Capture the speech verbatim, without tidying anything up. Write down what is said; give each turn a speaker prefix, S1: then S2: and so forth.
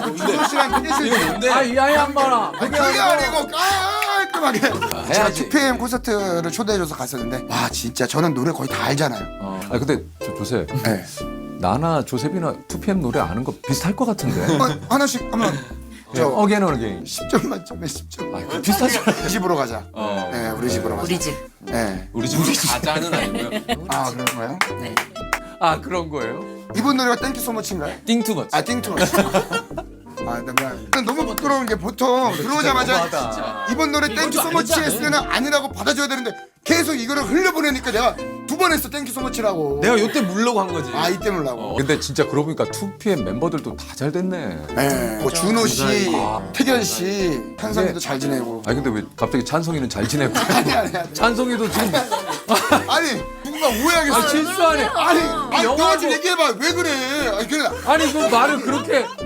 S1: 준호 씨랑 땡겼을 때
S2: 뭔데?
S3: 아, 이 아이 한번아.
S1: 그게 아니고 깔끔하게 제가
S3: 해야지.
S1: 투피엠 콘서트를 초대해줘서 갔었는데 와 진짜 저는 노래 거의 다 알잖아요.
S3: 어. 아 근데 조, 조셉.
S1: 네.
S3: 나나 조셉이나 투피엠 노래 아는 거 비슷할 것 같은데.
S1: 어, 하나씩 한번 저
S3: 어게인 어게인.
S1: 십 점 만점에 십 점.
S3: 아, 그 비슷하잖아.
S1: 우리 집으로 가자.
S2: 어.
S1: 네, 우리 집으로 가자.
S4: 우리 집.
S1: 네.
S2: 우리 집 우리 가자는 아니고요.
S1: 아 그런 거예요?
S4: 네.
S3: 아 그런 거예요?
S1: 이번 노래가 땡큐 소머치인가요?
S2: 띵투머치.
S1: 아 띵투머치. 아, 나 미안. 너무 부끄러운 게 보통 들어오자마자
S3: 너무하다.
S1: 이번 노래 땡큐
S2: 좀
S1: 소머치
S2: 아니지
S1: 했을 때는 아니라고 받아줘야 되는데 계속 이거를 흘려보내니까 내가 두 번 했어 땡큐 소머치라고.
S2: 내가 요때 물려고 한 거지.
S1: 아 이때 물라고.
S3: 근데 진짜 그러고 보니까 투피엠 멤버들도 다 잘 됐네.
S1: 네. 뭐 준호 씨,
S3: 아.
S1: 태견 씨, 한성이도
S3: 네.
S1: 잘 지내고.
S3: 아니 근데 왜 갑자기 찬성이는 잘 지내고
S1: 아니 아니 아니.
S3: 찬성이도 지금
S1: 아니 누군가 오해하겠어.
S3: 아, 실수하네.
S1: 아니, 아니
S3: 영화도-
S1: 너가 좀 얘기해봐. 왜 그래? 아니 그래.
S3: 아니 그 말을 그렇게